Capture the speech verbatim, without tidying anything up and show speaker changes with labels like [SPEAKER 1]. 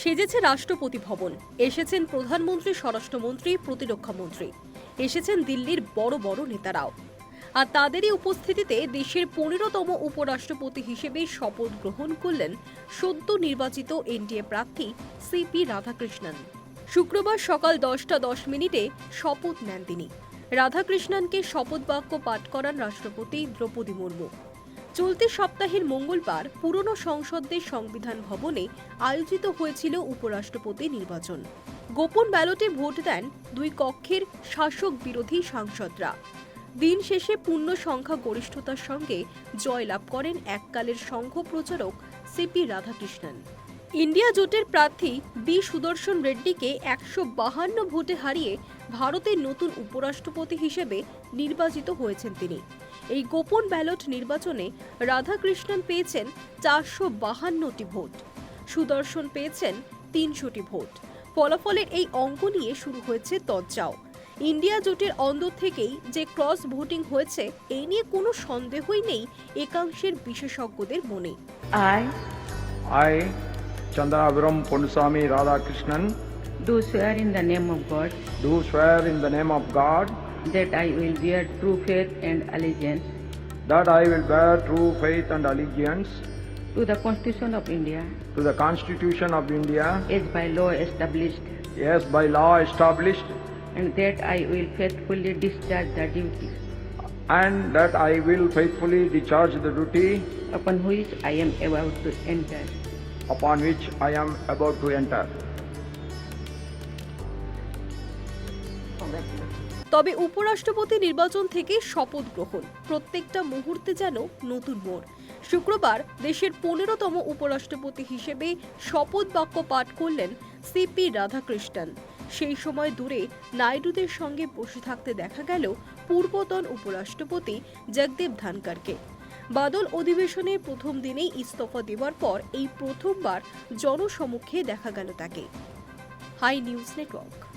[SPEAKER 1] সেজেছে রাষ্ট্রপতি ভবন, এসেছেন প্রধানমন্ত্রী, স্বরাষ্ট্রমন্ত্রী, প্রতিরক্ষামন্ত্রী, এসেছেন দিল্লির বড় বড় নেতারাও। আর তাদেরই উপস্থিতিতে দেশের পনেরোতম উপরাষ্ট্রপতি হিসেবে শপথ গ্রহণ করলেন সদ্য নির্বাচিত এনডিএ প্রার্থী সিপি রাধাকৃষ্ণন। শুক্রবার সকাল দশটা দশ মিনিটে শপথ নেন তিনি। রাধাকৃষ্ণনকে শপথ বাক্য পাঠ করান রাষ্ট্রপতি দ্রৌপদী মুর্মু। চলতি সপ্তাহের মঙ্গলবার পুরনো সংসদের সংবিধান ভবনে আয়োজিত হয়েছিল উপরাষ্ট্রপতি নির্বাচন। গোপন ব্যালটে ভোট দেন দুই কক্ষের শাসক বিরোধী সাংসদরা। দিন শেষে পূর্ণ সংখ্যা গরিষ্ঠতার সঙ্গে জয়লাভ করেন এককালের সংঘ প্রচারক সিপি রাধাকৃষ্ণন। ইন্ডিয়া জোটের প্রার্থী বি সুদর্শন রেড্ডিকে একশো বাহান্ন ভোটে হারিয়ে ভারতের নতুন উপরাষ্ট্রপতি হিসেবে নির্বাচিত হয়েছেন তিনি। এই গোপন ব্যালট নির্বাচনে রাধাকৃষ্ণন পেয়েছেন চারশো বাহান্নটি ভোট, সুদর্শন পেয়েছেন তিনশোটি ভোট। ফলাফলের এই অঙ্ক নিয়ে শুরু হয়েছে তজ্জাও। ইন্ডিয়া জোটের অন্দর থেকেই যে ক্রস ভোটিং হয়েছে এই নিয়ে কোনো সন্দেহই নেই একাংশের বিশেষজ্ঞদের মনে।
[SPEAKER 2] I,
[SPEAKER 3] I, Chandraviram Ponnusamy Radhakrishnan,
[SPEAKER 2] do swear in the name of God
[SPEAKER 3] do swear in the name of God
[SPEAKER 2] that I will bear true faith and allegiance
[SPEAKER 3] that I will bear true faith and allegiance
[SPEAKER 2] to the Constitution of India
[SPEAKER 3] to the Constitution of India
[SPEAKER 2] as by law established,
[SPEAKER 3] as by law established,
[SPEAKER 2] and that I will faithfully discharge the duty
[SPEAKER 3] and that I will faithfully discharge the duty
[SPEAKER 2] upon which I am about to enter.
[SPEAKER 3] upon which I am about to enter.
[SPEAKER 1] তবে উপরাষ্ট্রপতি নির্বাচন থেকে শপথ গ্রহণ প্রত্যেকটা মুহূর্তে যেন নতুন মোড়। শুক্রবার দেশের পনেরোতম উপরাষ্ট্রপতি হিসেবে শপথ বাক্য পাঠ করলেন সিপি রাধাকৃষ্ণন। সেই সময় দূরে নাইডুদের সঙ্গে বসে থাকতে দেখা গেল পূর্বতন উপরাষ্ট্রপতি জগদীপ ধনকরকে। বাদল অধিবেশনের প্রথম দিনেই ইস্তফা দেওয়ার পর এই প্রথমবার জনসমক্ষে দেখা গেল তাকে। Hi News network.